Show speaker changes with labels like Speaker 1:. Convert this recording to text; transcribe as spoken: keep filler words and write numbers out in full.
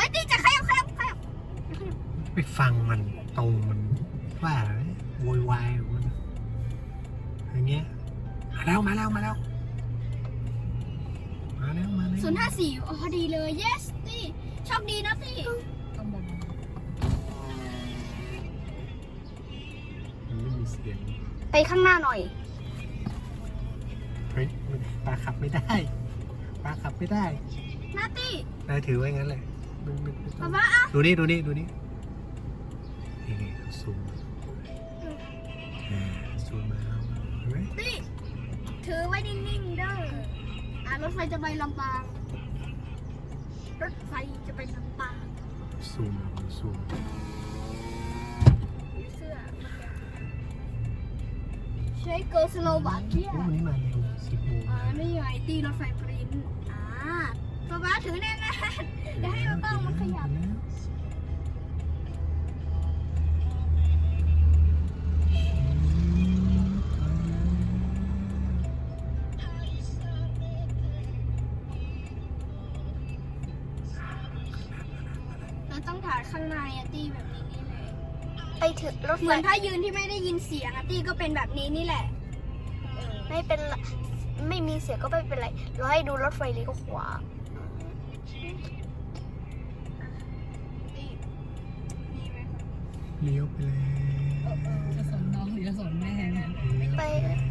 Speaker 1: ฮ้ยตีจะขยับขยับขยับ
Speaker 2: ไปฟังมันตรงมันว่าอะไรโวยวายมันอย่างเงี้ยมาแล้วมาแล้วมาแล้วมาแล้วมาแล้ว
Speaker 1: ศูนย์ห้าสี่อ๋อพอดีเลย yes ตีโชคดีนะตี
Speaker 3: ต้องบอก
Speaker 2: มันไม่มีเสียง
Speaker 1: ไปข้างหน้าหน่อย
Speaker 2: เฮ้ยปลาขับไม่ได้ปลาขับไม่ได้
Speaker 1: นาตี
Speaker 2: นายถือไว้งั้นเลยไม่ไม่ไม่ต้
Speaker 1: ป๊า
Speaker 2: อง
Speaker 1: ป๊าอ่ะ
Speaker 2: ดูนี่ดูนี่ดูนี่นี่นี่ซูมอ่าซูมมาเอาเห็นไหม
Speaker 1: ตีถือไว้นิ่งๆเด้ออ่ะรถไฟจะไปลำปางรถไฟจะไปลำปาง
Speaker 2: ซูมซูม
Speaker 1: มีเสื้อใช้เกิร์ลสโลวาเกีย
Speaker 2: โอ้วันนี้มาเร็วสิบโมง
Speaker 1: อ่านี่ไงตีรถไฟปริ้นอ่าป๊าป๊าถือแน่นๆอย่าให้เราต้องมันขยับเราต้องถ่ายข้างในอะตีแบบนี้นี่เลย
Speaker 4: ไปถึงรถ
Speaker 1: เห
Speaker 4: ไฟ
Speaker 1: มือนถ้ายืนที่ไม่ได้ยินเสียงอะตีก็เป็นแบบนี้นี่แหละเออ
Speaker 4: ไม่เป็นไรไม่มีเสียงก็ไม่เป็นไรเราให้ดูรถไฟเลี้ยวขวา
Speaker 1: ตีดีไหมคะ
Speaker 2: เลี้ยวไปแล้ว
Speaker 3: จะสอนน้องหรือจะสอนแม่เนี่ย
Speaker 2: เลี้ยวไปแล้ว